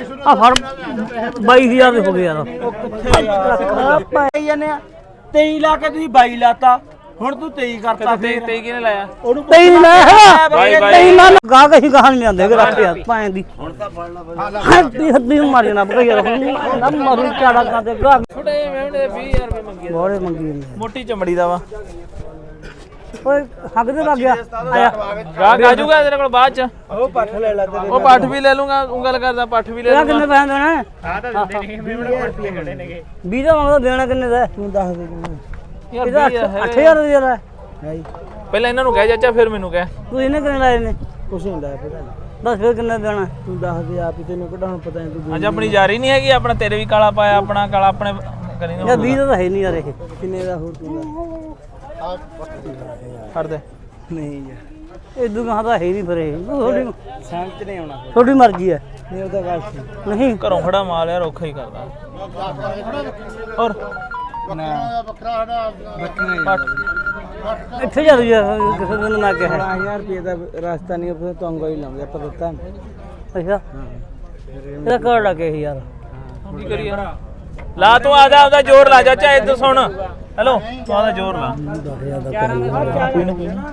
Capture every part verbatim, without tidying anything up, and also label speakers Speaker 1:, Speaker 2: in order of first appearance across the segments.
Speaker 1: ਆ ਫੜ ਬਾਈ ਹਜ਼ਾਰ ਦੇ ਹੋ ਗਏ ਯਾਰ।
Speaker 2: ਉਹ ਕਿੱਥੇ ਯਾਰ ਪਾਈ ਜਾਂਦੇ ਆ ਤੇਈ ਲਾ ਕੇ ਤੁਸੀਂ ਬਾਈ ਲਾਤਾ ਹੁਣ ਤੂੰ ਤੇਈ ਕਰਤਾ
Speaker 3: ਤੇਈ ਤੇਈ ਕਿਹਨੇ ਲਾਇਆ?
Speaker 2: ਉਹਨੂੰ
Speaker 1: ਤੇਈ ਨਹੀਂ ਲਾਇਆ
Speaker 3: ਬਾਈ ਬਾਈ
Speaker 1: ਤੇਈ ਨਾ ਗਾ ਕਹੀ ਗਾਹ ਨਹੀਂ ਆਂਦੇ ਕਿ ਰੱਖ ਯਾਰ ਪਾਏ ਦੀ ਹੁਣ ਤਾਂ ਫੜ ਲਾ ਹੱਦੀ ਹੱਦੀ ਮਾਰੀ ਨਾ ਬਈ ਯਾਰ ਨਾ ਮਾਰੂ ਚਾੜਾ ਕਰਦੇ ਗਾ
Speaker 3: ਛੋਟੇ ਮੇਵਣੇ ਵੀਹ ਹਜ਼ਾਰ ਰੁਪਏ ਮੰਗੀ
Speaker 1: ਬੋੜੇ ਮੰਗੀ ਜਾਂਦੇ
Speaker 3: ਮੋਟੀ ਚਮੜੀ ਦਾ ਵਾ
Speaker 1: ਓਏ ਹੱਗ ਦੇ ਲੱਗ ਗਿਆ ਆਇਆ
Speaker 3: ਗਾਹ ਗਾਜੂਗਾ ਤੇਰੇ ਕੋਲ ਬਾਅਦ ਚ
Speaker 2: ਉਹ ਪੱਠ ਲੈ ਲੈ ਤੇਰੇ
Speaker 3: ਉਹ ਪੱਠ ਵੀ ਲੈ ਲੂੰਗਾ ਉਂਗਲ ਕਰਦਾ ਪੱਠ ਵੀ ਲੈ
Speaker 1: ਤੇਰਾ
Speaker 3: ਲੂੰਗਾ
Speaker 1: ਕਿੰਨੇ ਪੈਸੇ ਦੇਣਾ
Speaker 2: ਹਾਂ ਤਾਂ ਦਿੰਦੇ ਨਹੀਂ ਮੇਵਣੇ ਪੱਠ ਖੜੇ ਨੇਗੇ
Speaker 1: ਵੀਹ ਦਾ ਮੰਗਦਾ ਦੇਣਾ ਕਿੰਨੇ ਦਾ
Speaker 2: ਤੂੰ ਦੱਸ ਦੇ ਕਿੰਨੇ
Speaker 3: ਯਾਰ
Speaker 1: ਇਹਦਾ
Speaker 3: ਵੀਹ ਹਜ਼ਾਰ
Speaker 1: ਅੱਠ ਹਜ਼ਾਰ ਦਾ ਯਾਰ
Speaker 2: ਹੈ ਜੀ
Speaker 3: ਪਹਿਲਾਂ ਇਹਨਾਂ ਨੂੰ ਕਹਿ ਚਾਚਾ ਫਿਰ ਮੈਨੂੰ ਕਹਿ
Speaker 1: ਤੂੰ ਇਹਨੇ ਕਿੰਨੇ ਲਾਏ ਨੇ
Speaker 2: ਕੁਛ ਨਹੀਂ ਲਾਇਆ ਪਤਾ
Speaker 1: ਦੱਸ ਫਿਰ ਕਿੰਨੇ ਦੇਣਾ
Speaker 2: ਤੂੰ ਦੱਸ ਦੇ ਆਪ ਹੀ ਤੈਨੂੰ ਕਿਹੜਾ ਹੁਣ ਪਤਾ ਨਹੀਂ ਤੂੰ
Speaker 3: ਅੱਜ ਆਪਣੀ ਜਾਰੀ ਨਹੀਂ ਹੈਗੀ ਆਪਣਾ ਤੇਰੇ ਵੀ ਕਾਲਾ ਪਾਇਆ ਆਪਣਾ ਕਾਲਾ ਆਪਣੇ ਕਰੀ ਨਾ
Speaker 1: ਯਾਰ ਵੀਹ ਦਾ ਤਾਂ ਹੈ ਨਹੀਂ ਯਾਰ ਇਹ
Speaker 2: ਕਿੰਨੇ ਦਾ ਹੋਰ ਤੂੰ
Speaker 3: ਫੜ ਦੇ
Speaker 2: ਨਹੀਂ ਯਾਰ
Speaker 1: ਇਹ ਦੁਕਾਨ ਦਾ ਹੈ ਨਹੀਂ ਫਿਰ ਇਹ ਤੁਹਾਡੀ
Speaker 2: ਸਮਝ ਨਹੀਂ ਆਉਣਾ
Speaker 1: ਤੁਹਾਡੀ ਮਰਜ਼ੀ ਹੈ
Speaker 2: ਨਹੀਂ ਉਹਦਾ ਗੱਲ ਸੀ
Speaker 1: ਨਹੀਂ
Speaker 3: ਘਰੋਂ ਖੜਾ ਮਾਲ ਯਾਰ ਔਖਾ ਹੀ ਕਰਦਾ ਔਰ
Speaker 2: ਨਾ ਬੱਕਰਾ ਬੱਕਰਾ
Speaker 1: ਇੱਥੇ ਜਾ ਯਾਰ ਕਿਸੇ ਦਿਨ ਮੈਂ ਕਿਹਾ
Speaker 2: ਸੋਲਾਂ ਹਜ਼ਾਰ ਰੁਪਏ ਦਾ ਰਸਤਾ ਨਹੀਂ ਫਿਰ ਤੂੰ ਅੰਗੋ ਹੀ ਲਾਉਂਦੇ ਆਪਾਂ ਦਿੱਤਾ
Speaker 1: ਅੱਛਾ ਇਹਦਾ ਕਰ ਲੱਗੇ ਯਾਰ
Speaker 3: ਕੀ ਕਰੀਏ ਲਾ ਤੂੰ ਆਦਾ ਆਪਦਾ ਜ਼ੋਰ ਲਾ ਚਾਚਾ ਇੱਧਰ ਸੁਣ ਹੈਲੋ ਤੂੰ ਆਦਾ ਜ਼ੋਰ ਲਾ
Speaker 2: ਕੋਈ ਨਾ ਕੋਈ ਨਾ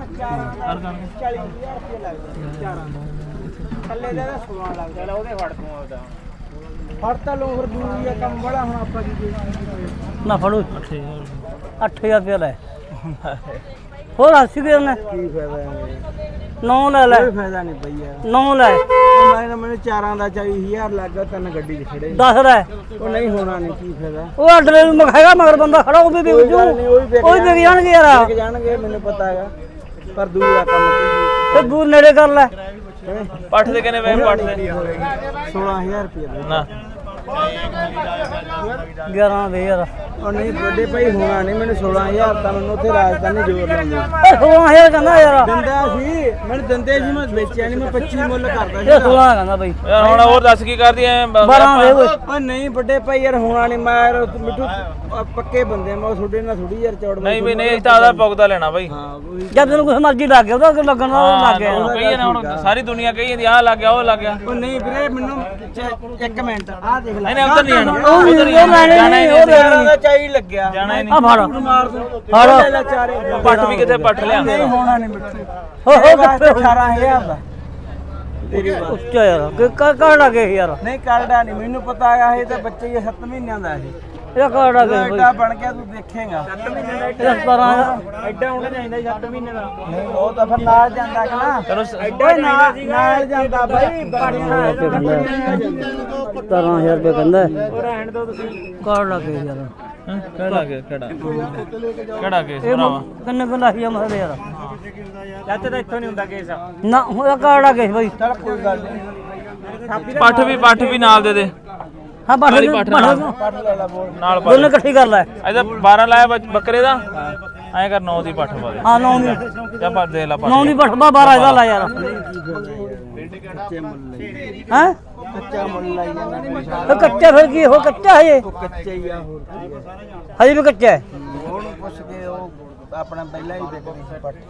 Speaker 2: ਥੱਲੇ ਦਾ ਸੋਲਾਂ ਲੱਗ ਜਾਣਾ ਉਹਦੇ ਫੜ ਤੂੰ ਆਪਦਾ ਫੜ ਤਾਂ ਲੋ ਫਿਰ ਦੂਰੀ ਆ ਕੰਮ ਬੜਾ ਹੁਣ ਆਪਾਂ ਕੀ
Speaker 1: ਨਾ ਫੜੋ ਅੱਠ ਹਜ਼ਾਰ ਰੁਪਇਆ ਲੈ ਹੋਰ ਹੱਸੀ ਗਏ ਉਹਨੇ
Speaker 2: ਕੀ ਫਾਇਦਾ
Speaker 1: ਨੌ ਲੈ ਲੈ
Speaker 2: ਕੋਈ ਫਾਇਦਾ ਨਹੀਂ ਪਈ ਯਾਰ
Speaker 1: ਨੌ ਲੈ
Speaker 2: ਉਹ ਮੈਂ ਮੈਨੂੰ ਚਾਰਾਂ ਦਾ ਚਾਲੀ ਹਜ਼ਾਰ ਲੱਗ ਗਿਆ ਤਿੰਨ ਗੱਡੀ 'ਚ ਖੜੇ
Speaker 1: ਦਸ ਲੈ
Speaker 2: ਉਹ ਨਹੀਂ ਹੋਣਾ ਨਹੀਂ ਕੀ ਫਾਇਦਾ
Speaker 1: ਉਹ ਅੱਡਲੇ ਨੂੰ ਮਖਾਏਗਾ ਮਗਰ ਬੰਦਾ ਖੜਾ ਉਹ ਵੀ ਵਿਕ ਜੂ ਉਹ ਵੀ ਵਿਕ ਜਾਣਗੇ ਯਾਰ
Speaker 2: ਵਿਕ ਜਾਣਗੇ ਮੈਨੂੰ ਪਤਾ ਹੈਗਾ ਪਰ ਦੂਰ ਆ ਕੰਮ ਕੀ
Speaker 1: ਤੇ ਦੂਰ ਨੇੜੇ ਕਰ ਲੈ
Speaker 3: ਪੱਠ ਦੇ ਕਿੰਨੇ ਵੇ ਪੱਠ ਦੇ
Speaker 2: ਸੋਲਾਂ ਹਜ਼ਾਰ ਰੁਪਏ
Speaker 3: ਨਾ
Speaker 1: ਗਿਆਰਾਂ ਦੇ ਯਾਰ
Speaker 2: ਉਹ ਨਹੀਂ ਵੱਡੇ ਭਾਈ ਹੋਣਾ ਨਹੀਂ ਮੈਨੂੰ ਸੋਲਾਂ ਹਜ਼ਾਰ ਤਾਂ ਮੈਨੂੰ ਉੱਥੇ ਰਾਜਧਾਨੀ ਜ਼ੋਰ ਲਾਉਂਦੇ
Speaker 1: ਏ ਸੋਲਾਂ ਹਜ਼ਾਰ ਕਹਿੰਦਾ ਯਾਰ
Speaker 2: ਦਿੰਦਾ ਸੀ ਮੈਨੂੰ ਦਿੰਦੇ ਸੀ ਮੈਂ ਵੇਚਿਆ ਨਹੀਂ ਮੈਂ ਪੱਚੀ ਮੁੱਲ ਕਰਦਾ
Speaker 1: ਇਹ ਸੋਲਾਂ ਕਹਿੰਦਾ ਬਈ
Speaker 3: ਯਾਰ ਹੁਣ ਹੋਰ ਦੱਸ ਕੀ ਕਰਦੀ ਐ
Speaker 1: ਬਾਰਾਂ ਦੇ ਓਏ
Speaker 2: ਓ ਨਹੀਂ ਵੱਡੇ ਭਾਈ ਯਾਰ ਹੋਣਾ ਨਹੀਂ ਮੈਂ ਯਾਰ ਮਿੱਠੂ ਅਹ ਪੱਕੇ ਬੰਦੇ ਮੈਂ ਤੁਹਾਡੇ ਨਾਲ ਥੋੜੀ ਯਾਰ ਚੌੜ
Speaker 3: ਨਹੀਂ ਵੀ ਨਹੀਂ ਤਾਂ ਆਦਾ ਪੁਗਦਾ ਲੈਣਾ ਬਾਈ
Speaker 2: ਹਾਂ ਉਹੀ
Speaker 1: ਜਦ ਤੈਨੂੰ ਕੁਛ ਮਰਜ਼ੀ ਲੱਗ ਗਿਆ ਉਹਦਾ ਲੱਗਣ ਦਾ ਉਹ ਲੱਗ ਗਿਆ
Speaker 3: ਉਹ ਕਹੀ ਨਾ ਹੁਣ ਸਾਰੀ ਦੁਨੀਆ ਕਹੀ ਜਾਂਦੀ ਆਹ ਲੱਗ ਗਿਆ ਉਹ ਲੱਗ ਗਿਆ
Speaker 2: ਉਹ ਨਹੀਂ ਵੀਰੇ ਮੈਨੂੰ ਚ- ਇੱਕ ਮਿੰਟ ਆਹ ਦੇਖ ਲੈ
Speaker 3: ਨਹੀਂ ਨਹੀਂ ਉਧਰ ਨਹੀਂ ਜਾਣਾ
Speaker 1: ਉਹ ਨਹੀਂ,
Speaker 3: ਉਧਰ ਨਹੀਂ
Speaker 1: ਉਹ ਲੈਣੇ
Speaker 3: ਜਾਣਾ
Speaker 1: ਨਹੀਂ,
Speaker 3: ਹੀ
Speaker 1: ਉਹ
Speaker 3: ਨਹੀਂ
Speaker 2: ਚਾਰਾਂ ਦਾ ਚਾਈ ਲੱਗਿਆ
Speaker 3: ਜਾਣਾ ਹੀ
Speaker 1: ਆ
Speaker 3: ਨਹੀਂ
Speaker 1: ਫੜ
Speaker 2: ਮਾਰ ਦੂੰ
Speaker 1: ਫੜ।
Speaker 2: ਲੈ ਲੈ ਚਾਰੇ
Speaker 3: ਪੱਠ ਵੀ ਕਿੱਥੇ ਪੱਠ ਲਿਆਂਦੇ
Speaker 2: ਨਹੀਂ ਹੋਣਾ ਨਹੀਂ ਮਿੱਠੂ
Speaker 1: ਹੋ ਹੋ
Speaker 2: ਕਿੱਥੇ ਅਠਾਰਾਂ ਹਜ਼ਾਰ ਦਾ
Speaker 1: ਉੱਚਾ ਯਾਰ ਕਿ ਕਰ ਲੱਗੇ ਯਾਰ
Speaker 2: ਨਹੀਂ ਕਰਦਾ ਨਹੀਂ ਮੈਨੂੰ ਪਤਾ ਹੈਗਾ ਇਹ ਤਾਂ ਬੱਚੇ ਹੀ ਸੱਤ ਮਹੀਨਿਆਂ ਦਾ ਇਹ
Speaker 1: ਇਹ ਕਰ ਲੱਗੇ ਬਈ
Speaker 2: ਐਡਾ ਬਣ ਗਿਆ ਤੂੰ ਦੇਖੇਗਾ ਸੱਤ ਮਹੀਨੇ ਦਾ
Speaker 1: ਇਹ ਸਤਾਰਾਂ
Speaker 2: ਐਡਾ ਹੋਣਾ ਚਾਹੀਦਾ ਸੱਤ ਮਹੀਨੇ ਦਾ ਨਹੀਂ ਉਹ ਤਾਂ ਫਿਰ ਨਾਲ ਜਾਂਦਾ ਕਿ ਨਾ
Speaker 3: ਚਲੋ
Speaker 2: ਐਡਾ ਨਾਲ ਨਾਲ ਜਾਂਦਾ ਬਾਈ
Speaker 1: ਸਤਾਰਾਂ ਹਜ਼ਾਰ ਰੁਪਏ ਕਹਿੰਦਾ
Speaker 2: ਉਹ ਰਹਿਣ ਦੋ ਤੁਸੀਂ
Speaker 1: ਕਰ ਲੱਗੇ ਯਾਰ
Speaker 3: ਕਿਹੜਾ ਕੇ ਕਿਹੜਾ ਕਿਹੜਾ ਕੇਸ
Speaker 1: ਇਹ
Speaker 3: ਭਰਾਵਾ
Speaker 1: ਕਿੰਨੇ ਕੁ ਲਾਹੀਆ ਮਸਲੇ ਯਾਰ
Speaker 2: ਚਾਚੇ ਤਾਂ ਇੱਥੋਂ ਨਹੀਂ ਹੁੰਦਾ ਕੇਸ
Speaker 1: ਨਾ ਉਹ ਕਰ ਲੱਗੇ ਬਈ
Speaker 2: ਚਲ ਕੋਈ ਗੱਲ ਨਹੀਂ
Speaker 3: ਪੱਠ ਵੀ ਪੱਠ ਵੀ ਨਾਲ ਦੇ ਦੇ
Speaker 1: ਹਾਂ ਬਾਠ
Speaker 3: ਵਾਲੀ ਪੱਠ ਨਾਲ
Speaker 2: ਪੜ ਲੈ ਲੈ ਬੋਲ
Speaker 3: ਨਾਲ ਪਾ
Speaker 1: ਦੋਨੇ ਇਕੱਠੀ ਕਰ ਲੈ
Speaker 3: ਇਹਦਾ ਬਾਰਾਂ ਲਾਇਆ ਬੱਚ- ਬੱਕਰੇ ਦਾ ਐਂ ਕਰ ਨੌ ਦੀ ਪੱਠ ਪਾ ਦੇ
Speaker 1: ਹਾਂ ਨੌ ਦੀ
Speaker 3: ਜਾਂ ਪਾ ਦੇ ਲਾ ਪੱਠ
Speaker 1: ਨੌ ਦੀ ਬਠ ਬਾਰਾਂ ਇਹਦਾ ਲਾ ਯਾਰ
Speaker 2: ਕੱਚੇ ਮੁੱਲ ਲਈ
Speaker 1: ਹੈ
Speaker 2: ਕੱਚਾ ਮੁੱਲ ਲਾਈ ਜਾਂਦਾ
Speaker 1: ਇਹ ਕੱਚਾ ਫਿਰ ਕੀ ਹੋ ਕੱਚਾ ਹੈ ਇਹ
Speaker 2: ਉਹ ਕੱਚੇ ਹੀ ਆ ਹੋਰ ਕੀ ਆ
Speaker 1: ਹਜੇ ਵੀ ਕੱਚਾ ਹੈ
Speaker 2: ਉਹਨੂੰ ਪੁੱਛ ਕੇ ਉਹ ਆਪਣਾ ਪਹਿਲਾਂ ਹੀ ਵਿਕਦੀ ਸੀ ਪੱਠ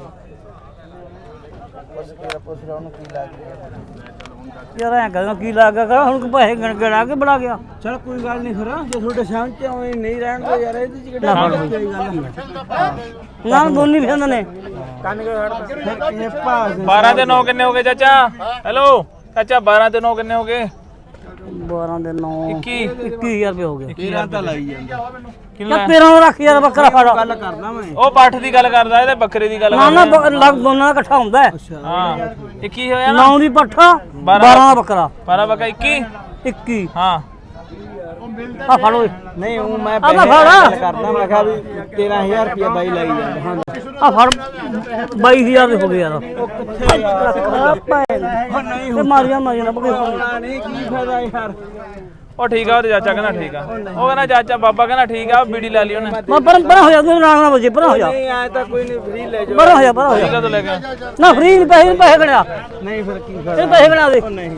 Speaker 2: ਪੁੱਛ ਕੇ ਪੁੱਛ ਰਿਹਾ ਉਹਨੂੰ ਕੀ ਲੱਗ ਗਿਆ
Speaker 1: ਯਾਰ ਐਂ ਕਹਿੰਦਾ ਕੀ ਲੱਗ ਗਿਆ ਹੁਣ ਪੈਸੇ ਗਣ ਗਣਾ ਕੇ ਬਣਾ ਗਿਆ
Speaker 2: ਚਲ ਕੋਈ ਗੱਲ ਨਹੀਂ ਫਿਰ ਜੇ ਤੁਹਾਡੇ ਸਾਹਮਣੇ ਚ ਆਉਂ ਨਹੀਂ ਰਹਿਣ ਦੋ ਯਾਰ ਇਹਦੇ ਚ ਕਿਹੜਾ ਕੋਈ ਗੱਲ
Speaker 1: ਨਾ ਦੋਨੀ ਪਸੰਦ ਨੇ
Speaker 2: ਕੰਨ ਕੇ ਖੜਦਾ ਇਹ ਭਾਸ
Speaker 3: ਬਾਰਾਂ ਤੇ ਨੌ ਕਿੰਨੇ ਹੋ ਗਏ ਚਾਚਾ ਹੈਲੋ ਚਾਚਾ ਬਾਰਾਂ ਤੇ ਨੌ ਕਿੰਨੇ ਹੋ ਗਏ
Speaker 1: ਬਾਰਾਂ ਦੇ ਨੌ
Speaker 3: ਇੱਕੀ
Speaker 1: ਇੱਕੀ ਹਜ਼ਾਰ ਰੁਪਏ ਹੋ ਗਏ
Speaker 2: ਤੇਰਾ ਤਾਂ ਲਾਈ ਜਾਂਦਾ
Speaker 3: ਕਿੰਨਾ
Speaker 1: ਯਾਰ ਤੇਰਾਂ ਨੂੰ ਰੱਖ ਯਾਰ ਬੱਕਰਾ ਫੜ
Speaker 2: ਗੱਲ ਕਰਦਾ ਮੈਂ
Speaker 3: ਉਹ ਪੱਠ ਦੀ ਗੱਲ ਕਰਦਾ ਇਹਦੇ ਬੱਕਰੇ ਦੀ ਗੱਲ
Speaker 1: ਨਾ ਨਾ
Speaker 3: ਕਰਦਾ
Speaker 1: ਬ- ਲੱਗ ਦੋਨਾਂ ਦਾ ਇਕੱਠਾ ਹੁੰਦਾ ਹੈ
Speaker 3: ਹਾਂ ਇੱਕੀ ਹੋਇਆ ਨਾ
Speaker 1: ਨੌ ਦੀ ਪੱਠਾ ਬਾਰਾਂ ਦਾ ਬੱਕਰਾ
Speaker 3: ਬਾਰਾਂ ਬੱਕਾ ਇੱਕੀ
Speaker 1: ਇੱਕੀ
Speaker 3: ਹਾਂ
Speaker 1: ਆ ਫੜ ਓਏ
Speaker 2: ਨਹੀਂ ਉਹ ਮੈਂ
Speaker 1: ਤਾਂ
Speaker 2: ਪੈਸੇ
Speaker 1: ਫੜ।
Speaker 2: ਗੱਲ ਕਰਦਾ ਮੈਂ ਕਿਹਾ ਵੀ ਤੇਰਾਂ ਹਜ਼ਾਰ ਰੁਪਏ ਬਾਈ ਲਾਈ ਜਾਂਦਾ ਹਾਂ
Speaker 1: ਆ ਫੜ ਬਾਈ ਹਜ਼ਾਰ ਦੇ ਹੋ ਗਏ ਯਾਰ
Speaker 2: ਉਹ ਕਿੱਥੇ ਯਾਰ
Speaker 1: ਉਹ
Speaker 2: ਨਹੀਂ
Speaker 1: ਤੇ ਮਾਰੀਆਂ ਮਾਰੀਆਂ ਨਾ ਬੱਕਰੇ
Speaker 2: ਹੋਣਾ ਨਹੀਂ ਕੀ ਫਾਇਦਾ ਯਾਰ
Speaker 3: ਉਹ ਠੀਕ ਆ ਉਹਦੇ ਚਾਚਾ ਕਹਿੰਦਾ ਠੀਕ ਆ ਉਹ ਕਹਿੰਦਾ ਚਾਚਾ ਬਾਬਾ ਕਹਿੰਦਾ ਠੀਕ ਆ ਬੀੜੀ ਲੈ ਲਈ ਉਹਨੇ
Speaker 1: ਮੈਂ ਪਰ ਪਰ ਹੋ ਜਾ ਤੂੰ ਨਾਲ ਨਾ ਵਜੇ ਪਰ ਹੋ ਜਾ
Speaker 2: ਨਹੀਂ ਆਇਆ ਤਾਂ ਕੋਈ ਨਹੀਂ ਫ੍ਰੀ ਲੈ ਜਾਓ
Speaker 1: ਪਰ ਹੋ ਜਾ ਪਰ ਹੋ
Speaker 3: ਠੀਕ
Speaker 1: ਜਾ
Speaker 3: ਆ ਤੂੰ ਲੈ ਕੇ
Speaker 1: ਨਾ ਫ੍ਰੀ ਨਹੀਂ ਪੈਸੇ ਪੈਸੇ ਗਣਿਆ
Speaker 2: ਨਹੀਂ ਫਿਰ ਕੀ
Speaker 1: ਇਹ
Speaker 2: ਫਾਇਦਾ
Speaker 1: ਪੈਸੇ ਗਣਾ ਦੇ
Speaker 2: ਉਹ ਨਹੀਂ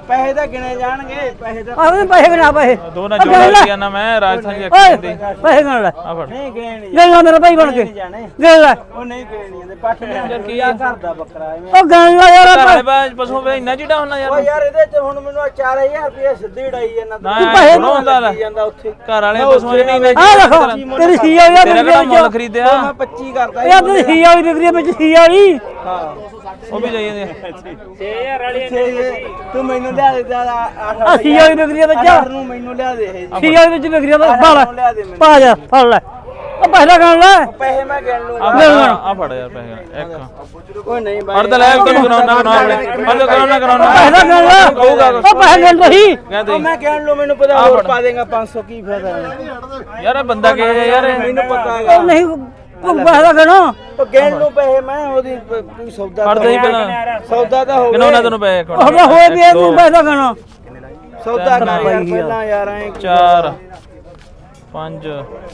Speaker 2: ਪੈਸੇ ਤਾਂ ਗਿਣੇ ਜਾਣਗੇ ਪੈਸੇ ਤਾਂ
Speaker 1: ਆਹ ਪੈਸੇ ਕਿਨਾ ਪੈਸੇ
Speaker 3: ਦੋ ਨਾ ਜੋੜ ਲਿਆ ਨਾ ਮੈਂ ਰਾਜਸਥਾਨ ਦੀ
Speaker 1: ਓਏ
Speaker 3: ਅੱਖੀ ਦੇ
Speaker 1: ਪੈਸੇ ਕਿਨਾ ਲੈ
Speaker 3: ਆ ਫੜ
Speaker 2: ਨਹੀਂ ਗਿਣੇ ਨਹੀਂ
Speaker 1: ਗੱਲ ਨਾ ਮੇਰਾ ਭਾਈ ਬਣ ਕੇ
Speaker 2: ਜਾਣੇ
Speaker 1: ਗੱਲ ਲੈ
Speaker 2: ਉਹ ਨਹੀਂ ਗਿਣੇ ਨਹੀਂ ਜਾਂਦੇ ਪੱਠ ਨੇ ਕੀ ਆ ਘਰ ਦਾ ਬੱਕਰਾ ਐਵੇਂ
Speaker 1: ਉਹ ਗੱਲ ਲੈ ਯਾਰ
Speaker 3: ਘਰ ਵਾਲੇ ਬਾਜ ਪਸ਼ੂ ਵੇ ਇੰਨਾ ਚਿੜਾ ਹੁੰਦਾ
Speaker 2: ਓ
Speaker 3: ਯਾਰ
Speaker 2: ਯਾਰ ਇਹਦੇ ਚ ਹੁਣ ਮੈਨੂੰ ਚਾਰ ਹਜ਼ਾਰ ਰੁਪਏ ਸਿੱਧੀ ਢਾਈ ਜਾਂਦਾ
Speaker 3: ਨਾ
Speaker 1: ਪੈਸੇ
Speaker 3: ਨਾ ਹੁੰਦਾ ਲੈ
Speaker 2: ਜਾਂਦਾ ਉੱਥੇ
Speaker 3: ਘਰ ਵਾਲੇ ਪਸ਼ੂ ਨੇ ਨਹੀਂ
Speaker 1: ਆ ਦੇਖੋ ਤੇਰੀ ਸੀ ਆ ਯਾਰ
Speaker 3: ਤੇਰਾ ਕਿਹੜਾ ਮੁੱਲ ਖਰੀਦਿਆ
Speaker 2: ਮੈਂ ਪੱਚੀ ਕਰਦਾ
Speaker 1: ਯਾਰ ਤੇਰੀ ਸੀ ਵਾਲੀ ਵਿਕਰੀ ਵਿੱਚ ਸੀ ਵਾਲੀ
Speaker 2: ਹਾਂ
Speaker 3: ਉਹ ਵੀ ਜਾਈ ਜਾਂਦੇ
Speaker 2: ਛੇ ਹਜ਼ਾਰ ਵਾਲੀ ਤੂੰ ਮੈਨੂੰ ਲਿਆ ਦੇ
Speaker 1: ਆ ਸੀ ਵਾਲੀ ਵਿਕਰੀ ਵਿੱਚ
Speaker 2: ਅੱਠ ਨੂੰ ਮੈਨੂੰ ਲਿਆ ਦੇ ਇਹ
Speaker 1: ਸੀ ਵਾਲੀ ਵਿੱਚ ਵਿਕਰੀ ਵਿੱਚ ਪਾ ਲੈ
Speaker 2: ਲਿਆ ਦੇ ਮੈਨੂੰ
Speaker 1: ਪਾ ਜਾ ਫੜ ਲੈ ਉਹ ਪੈਸਾ ਗਣ ਲੈ
Speaker 2: ਪੈਸੇ ਮੈਂ ਗਿਣ ਲੂੰਗਾ
Speaker 3: ਆ ਫੜ ਯਾਰ ਪੈਸੇ ਇੱਕ
Speaker 2: ਕੋਈ ਨਹੀਂ
Speaker 3: ਫੜ ਤੇ ਲੈ ਤੈਨੂੰ ਕਰਾਉਣਾ ਕਰਾਉਣਾ ਫੜ ਤੇ ਕਰਾਉਣਾ ਕਰਾਉਣਾ
Speaker 1: ਪੈਸਾ ਗਣ ਲੈ
Speaker 3: ਕਹੂਗਾ
Speaker 1: ਉਹ ਪੈਸੇ ਗਣ ਰਹੀ
Speaker 3: ਕਹਿੰਦੇ
Speaker 2: ਮੈਂ ਗਿਣ ਲੂ ਮੈਨੂੰ ਪਤਾ ਹੋਰ ਪਾ ਦੇਗਾ ਪੰਜ ਸੌ ਕੀ ਫਾਇਦਾ
Speaker 3: ਯਾਰ ਇਹ ਬੰਦਾ ਕੀ ਹੈ ਯਾਰ
Speaker 2: ਮੈਨੂੰ ਪਤਾ ਹੈਗਾ
Speaker 1: ਉਹ ਨਹੀਂ ਉਹ ਪੈਸਾ ਗਣ
Speaker 2: ਉਹ ਗਿਣ ਲੂ ਪੈਸੇ ਮੈਂ ਉਹਦੀ ਕੋਈ ਸੌਦਾ
Speaker 3: ਫੜ ਦੇ ਪਹਿਲਾਂ
Speaker 2: ਸੌਦਾ ਤਾਂ ਹੋ
Speaker 3: ਕਿੰਨਾ
Speaker 2: ਗਿਆ
Speaker 3: ਤੈਨੂੰ ਪੈਸੇ
Speaker 1: ਉਹ ਹੋਏ ਵੀ ਤੂੰ ਪੈਸਾ ਗਣ
Speaker 2: ਸੌਦਾ ਕਰ ਯਾਰ ਪਹਿਲਾਂ ਯਾਰ ਐ
Speaker 3: ਚਾਰ ਪੰਜ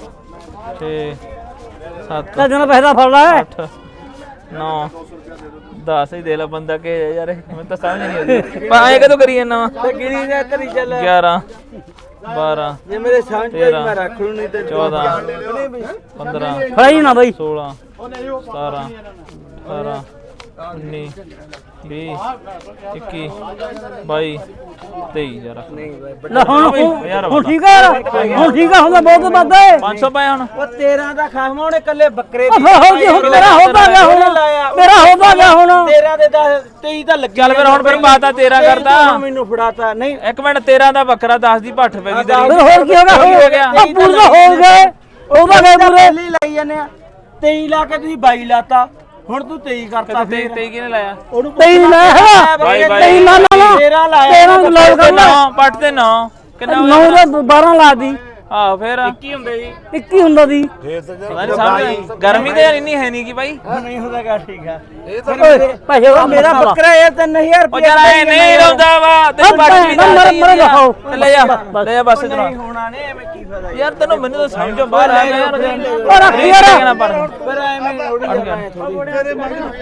Speaker 3: ਛੇ ਸੱਤ
Speaker 1: ਤੇ ਜਨਾ ਪੈਸਾ ਫੜ ਲੈ
Speaker 3: ਅੱਠ ਨੌ ਦਸ ਹੀ ਦੇ ਲੈ ਬੰਦਾ ਕਿ ਯਾਰ ਮੈਨੂੰ ਤਾਂ ਸਮਝ ਨਹੀਂ ਆਉਂਦੀ ਪਰ ਐ ਕਦੋਂ ਕਰੀ ਜਾਂਦਾ ਵਾ
Speaker 2: ਤੇ ਗਿਣੀ ਜਾ ਕਰੀ ਚੱਲ
Speaker 3: ਗਿਆਰਾਂ ਬਾਰਾਂ
Speaker 2: ਜੇ ਮੇਰੇ ਸਾਂਝ ਤੇ ਮੈਂ ਰੱਖ ਲੂ ਨਹੀਂ ਤੇ
Speaker 3: ਚੌਦਾਂ
Speaker 2: ਨਹੀਂ ਬਈ
Speaker 3: ਪੰਦਰਾਂ
Speaker 1: ਫੜਾਈ ਨਾ ਬਈ
Speaker 3: ਸੋਲਾਂ ਸਤਾਰਾਂ ਅਠਾਰਾਂ ਉੱਨੀ ਵੀਹ ਇੱਕੀ ਬਾਈ ਤੇਈ ਯਾਰ
Speaker 2: ਨਹੀਂ ਬਾਈ
Speaker 1: ਲੈ ਹੁਣ ਹੁਣ ਠੀਕ ਹੈ ਯਾਰ ਹੁਣ ਠੀਕ ਹੈ ਹੁੰਦਾ ਬਹੁਤ ਵੱਧ ਹੈ
Speaker 3: ਪੰਜ ਸੌ ਪਏ ਹੁਣ
Speaker 2: ਉਹ ਤੇਰਾਂ ਦਾ ਖਾਸਮਾ ਉਹਨੇ ਕੱਲੇ ਬੱਕਰੇ
Speaker 1: ਉਹ ਫਿਰ ਹੋ ਗਿਆ ਹੁਣ ਮੇਰਾ ਹੋਦਾ ਗਿਆ ਹੁਣ ਮੇਰਾ ਹੋਦਾ ਗਿਆ ਹੁਣ
Speaker 2: ਤੇਰਾਂ ਦੇ ਦਸ ਤੇਈ ਤਾਂ ਲੱਗੀ
Speaker 3: ਚੱਲ ਫਿਰ ਹੁਣ ਫਿਰ ਪਾਤਾ ਤੇਰਾਂ ਕਰਤਾ
Speaker 2: ਮੈਨੂੰ ਫੜਾਤਾ ਨਹੀਂ
Speaker 3: ਇੱਕ ਮਿੰਟ ਤੇਰਾਂ ਦਾ ਬੱਕਰਾ ਦਸ ਦੀ ਭੱਠ ਪੈ ਗਈ ਤੇਰੀ
Speaker 1: ਫਿਰ ਹੋਰ ਕੀ ਹੋ ਗਿਆ
Speaker 3: ਹੋ ਗਿਆ
Speaker 1: ਉਹ ਪੂਰਾ ਹੋ ਗਏ ਉਹਦਾ ਗਏ ਪੂਰੇ
Speaker 2: ਪਹਿਲੀ ਲਾਈ ਜਾਂਦੇ ਆ ਤੇਈ ਲਾ ਕੇ ਤੁਸੀਂ ਬਾਈ ਲਾਤਾ ਹੁਣ ਤੂੰ ਤੇਈ ਕਰਤਾ
Speaker 3: ਤੇਈ
Speaker 2: ਫੇਰ
Speaker 3: ਤੇਈ ਕਿਹਨੇ ਲਾਇਆ
Speaker 2: ਉਹਨੂੰ
Speaker 1: ਤੇਈ ਲੈ
Speaker 3: ਬਾਈ, ਬਾਈ।
Speaker 1: ਤੇਈ ਲਾ ਲਾ
Speaker 2: ਤੇਰਾਂ ਲਾਇਆ
Speaker 1: ਤੇਰਾਂ ਨੂੰ ਲਾਇਆ ਕਰ ਲੈ
Speaker 3: ਨੌ ਪੱਟ ਤੇ ਨੌ ਕਿੰਨਾ
Speaker 1: ਨੌ ਦਾ ਬਾਰਾਂ ਲਾ ਦੀ
Speaker 3: ਆਹ ਫੇਰ
Speaker 2: ਕੀ ਹੁੰਦੇ ਜੀ
Speaker 1: ਇੱਕੀ ਹੁੰਦਾ ਦੀ
Speaker 3: ਪਤਾ ਨੀ ਸਮਝ ਗਰਮੀ ਤੇ ਯਾਰ ਇੰਨੀ ਹੈ ਨਹੀਂ ਕਿ ਬਾਈ
Speaker 2: ਨਹੀਂ ਹੁੰਦਾ ਗਾ ਠੀਕ ਆ
Speaker 1: ਓਏ ਪੈਸੇ ਉਹ
Speaker 2: ਮੇਰਾ ਬੱਕਰਾ ਇਹ ਤਿੰਨ ਹਜ਼ਾਰ
Speaker 3: ਉਹ
Speaker 2: ਰੁਪਏ
Speaker 3: ਯਾਰ ਐ ਨਹੀਂ ਰੋਂਦਾ ਵਾ ਤੈਨੂੰ ਪੱਟ ਵੀ
Speaker 1: ਮਰ ਮਰ ਦਿਖਾਓ
Speaker 3: ਲੈ ਜਾ ਲੈ ਜਾ ਬਸ ਇਧਰ
Speaker 2: ਨਹੀਂ ਹੋਣਾ ਨਹੀਂ ਐਵੇਂ ਕੀ ਫਾਇਦਾ
Speaker 3: ਯਾਰ ਤੈਨੂੰ ਮੈਨੂੰ ਤਾਂ ਸਮਝੋ ਬਾਹਰ ਆ ਗਿਆ ਯਾਰ
Speaker 1: ਉਹ ਰੱਖ ਯਾਰ
Speaker 2: ਪਰ ਐਵੇਂ ਉੜ ਜਾਣਾ ਥੋੜੀ ਤੇਰੇ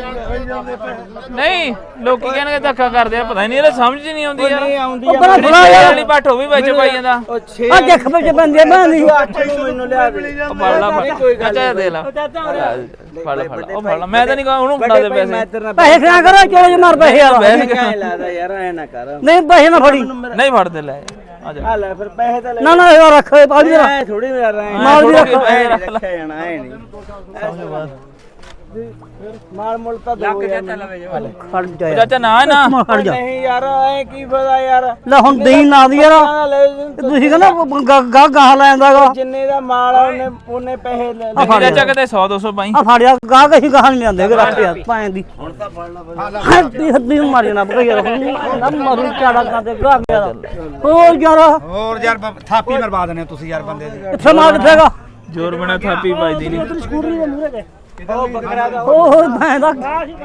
Speaker 3: ਨਹੀਂ ਲੋਕੀ ਕਹਿਣਗੇ ਧੱਕਾ ਕਰਦੇ ਆ ਪਤਾ ਨਹੀਂ ਇਹਦਾ ਸਮਝ ਨਹੀਂ ਆਉਂਦੀ ਯਾਰ
Speaker 2: ਨਹੀਂ ਆਉਂਦੀ
Speaker 1: ਉਹ ਬੜਾ
Speaker 3: ਜਿਹੜੀ
Speaker 1: ਬੁਰਾ
Speaker 3: ਛੇ
Speaker 1: ਯਾਰ
Speaker 3: ਵਾਲੀ ਪੱਠ ਉਹ ਵੀ ਵਿੱਚ ਪਾਈ ਜਾਂਦਾ
Speaker 2: ਉਹ ਛੇ
Speaker 1: ਆ ਦੇਖ ਵਿੱਚ ਬੰਦੇ ਬੰਦੀ
Speaker 2: ਅੱਠ ਨੂੰ ਮੈਨੂੰ ਲਿਆ ਦੇ
Speaker 3: ਉਹ ਫੜ ਲਾ ਫੜ ਚਾਚਾ ਦੇ ਲਾ ਫੜ ਲਾ ਫੜ ਲਾ ਉਹ ਫੜ ਲਾ ਮੈਂ ਤਾਂ ਨਹੀਂ ਕਹਾਂ ਉਹਨੂੰ ਫੜਾ ਦੇ
Speaker 2: ਮੈਂ
Speaker 3: ਪੈਸੇ
Speaker 2: ਤੇਰੇ ਨਾਲ
Speaker 1: ਪੈਸੇ ਖਾ ਕਰੋ ਚਲੋ ਜੇ ਮਾਰ ਪੈਸੇ ਯਾਰ
Speaker 2: ਕਾਹ ਲਾਦਾ ਯਾਰ ਐ ਨਾ ਕਰ
Speaker 1: ਨਹੀਂ ਪੈਸੇ ਨਾ ਫੜੀ
Speaker 3: ਨਹੀਂ ਫੜਦੇ ਲੈ ਆ ਜਾ
Speaker 2: ਆ ਲੈ ਫਿਰ ਪੈਸੇ ਤਾਂ ਲੈ
Speaker 1: ਨਾ ਨਾ ਇਹ ਰੱਖ ਪਾਲੀ ਰੱਖ
Speaker 2: ਐ ਥੋੜੀ ਯਾਰ ਐ
Speaker 1: ਮਾਲ ਦੀ ਰੱਖ
Speaker 2: ਰੱਖਿਆ ਜਾਣਾ ਐ ਨਹੀਂ ਮਾਲ ਮੁੱਲ ਤਾਂ ਦੋ ਯਾਰ
Speaker 1: ਖੜ ਜਾ ਯਾਰ
Speaker 3: ਚਾਚਾ ਨਾ ਨਾ
Speaker 1: ਖੜ ਜਾ
Speaker 2: ਨਹੀਂ ਯਾਰ ਐ ਕੀ ਫਾਇਦਾ ਯਾਰ
Speaker 1: ਲੈ ਹੁਣ ਦੇਈ ਨਾ ਦੀ ਯਾਰ
Speaker 2: ਆ ਲੈ
Speaker 1: ਤੁਸੀਂ ਕਹਿੰਦਾ ਗਾ ਗਾਹ ਲੈ ਜਾਂਦਾਗਾ
Speaker 2: ਜਿੰਨੇ ਦਾ ਮਾਲ ਆ ਉਹਨੇ ਉਹਨੇ ਪੈਸੇ ਲੈ ਲਏ।
Speaker 3: ਨਹੀਂ ਚਾਚਾ ਕਿਤੇ ਸੌ ਦੋ ਸੌ ਪਾਈ
Speaker 1: ਆ ਫੜ ਜਾ ਗਾਹ ਕਹੀ ਗਾਹ ਨਹੀਂ ਜਾਂਦੇ ਰੱਖ ਯਾਰ ਪਾਏ ਦੀ ਹੁਣ ਤਾਂ ਫੜ ਲਾ ਹੱਦੀ ਹੱਦੀ ਮਾਰ ਜਾਣਾ ਬਈ ਯਾਰ ਨਾ ਮਾਰੂ ਚਾੜਾ ਕਾਤੇ ਗਾਹ ਯਾਰ ਹੋਰ ਯਾਰ
Speaker 4: ਹੋਰ ਯਾਰ ਬ- ਥਾਪੀ ਮਰਵਾ ਦਨੇ ਤੁਸੀਂ ਯਾਰ ਬੰਦੇ ਦੀ
Speaker 1: ਇੱਥੇ ਮਾਰ ਕਿੱਥੇਗਾ
Speaker 3: ਜ਼ੋਰ ਬਣਾ ਥਾਪੀ ਵੱਜਦੀ ਨਹੀਂ
Speaker 1: ਤੇਰੀ ਸਕੂਟਰੀ ਦੇ ਮੂਹਰੇ ਤੇ
Speaker 2: ਉਹ ਬੱਕਰਾ ਦਾ
Speaker 1: ਉਹ ਮੈਂ ਦਾ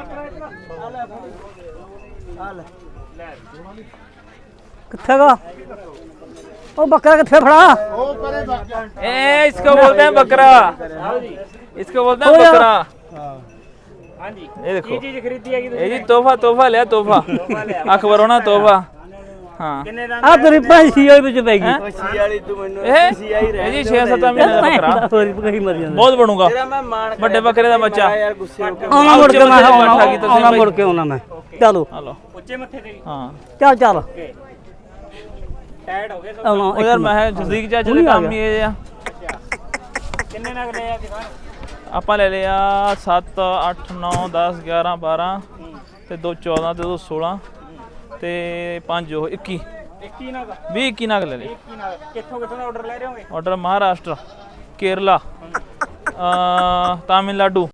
Speaker 1: ਕਿੱਥੇਗਾ ਉਹ ਬੱਕਰਾ ਕਿੱਥੇ ਫੜਾ
Speaker 3: ए इसको बोलते हैं बकरा इसको बोलते हैं बकरा हाँ जी ये देखो चीज खरीदी है ये जी तोहफा तोहफा लिया तोहफा अखबार होना तोहफा हाँ
Speaker 1: ਆ ਤੇਰੀ ਪੈਂਸੀ ਹੋਈ ਵਿੱਚ ਪੈ ਗਈ
Speaker 2: ਸੀ ਵਾਲੀ ਤੂੰ ਮੈਨੂੰ
Speaker 3: ए
Speaker 2: ਸੀ ਆਈ
Speaker 3: ये जी छह सात महीने का बकरा
Speaker 1: ਹੋਰੀ ਕਹੀ ਮਰ ਜਾਂਦਾ
Speaker 3: बहुत बनूंगा
Speaker 2: ਤੇਰਾ ਮੈਂ ਮਾਣ
Speaker 3: बड़े बकरे का बच्चा
Speaker 2: ਯਾਰ ਗੁੱਸੇ ਹੋ ਕੇ
Speaker 1: ਆਉਣਾ ਮੁੜ ਕੇ ਮੈਂ
Speaker 3: ਉੱਚੇ
Speaker 1: ਆਉਣਾ
Speaker 3: ਮੱਥੇ ਦੀ
Speaker 1: ਆਉਣਾ ਮੁੜ ਕੇ ਆਉਣਾ ਮੈਂ ਚਲੋ
Speaker 3: हेलो ऊंचे मत्थे ते हाँ
Speaker 1: ਚੱਲ ਚੱਲ
Speaker 3: टाइट हो गए
Speaker 1: ਆਉਣਾ
Speaker 3: ओ यार मैं जल्दी चाचा दे काम ही है या
Speaker 2: ਕਿੰਨੇ ਨਗ ਲਏ ਆ ਦਿਖਾ
Speaker 3: ਆਪਾਂ ਲੈ ਲਿਆ ਸੱਤ ਅੱਠ ਨੌ ਦਸ ਗਿਆਰਾਂ ਬਾਰਾਂ ਤੇ ਦੋ ਚੌਦਾਂ ਤੇ ਦੋ ਸੋਲਾਂ ਤੇ ਪੰਜ ਉਹ ਇੱਕੀ
Speaker 2: ਇੱਕੀ ਨਗ
Speaker 3: ਵੀਹ ਇੱਕੀ ਨਗ ਲੈ ਲਏ
Speaker 2: ਇੱਕੀ ਨਗ ਕਿੱਥੋਂ ਕਿੱਥੋਂ ਦਾ ਆਰਡਰ ਲੈ ਰਹੇ ਹੋਗੇ
Speaker 3: ਆਰਡਰ ਮਹਾਰਾਸ਼ਟਰ ਕੇਰਲਾ ਅ ਤਾਮਿਲਨਾਡੂ